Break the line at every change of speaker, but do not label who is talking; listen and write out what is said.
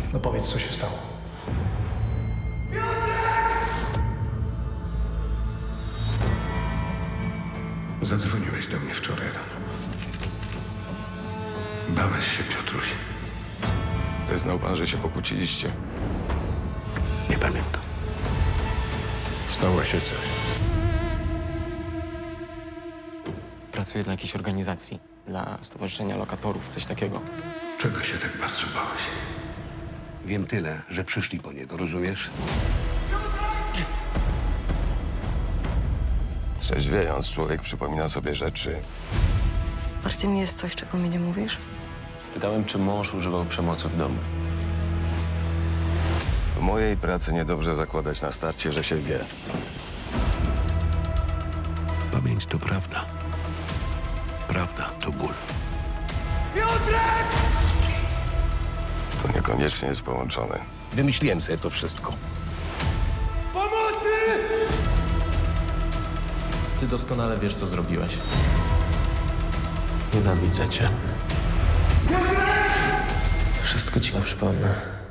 No powiedz, co się stało.
Zadzwoniłeś do mnie wczoraj rano. Bałeś się, Piotruś.
Zeznał pan, że się pokłóciliście.
Nie pamiętam.
Stało się coś.
Pracuję dla jakiejś organizacji, dla Stowarzyszenia Lokatorów, coś takiego.
Czego się tak bardzo bałeś?
Wiem tyle, że przyszli po niego, rozumiesz?
Trzeźwiejąc, człowiek przypomina sobie rzeczy.
Marcin, jest coś, czego mi nie mówisz?
Pytałem, czy mąż używał przemocy w domu.
W mojej pracy niedobrze zakładać na starcie, że się wie.
Pamięć to prawda. Prawda to ból.
To niekoniecznie jest połączone.
Wymyśliłem sobie to wszystko.
Ty doskonale wiesz, co zrobiłeś. Nienawidzę cię. Wszystko ci przypomnę.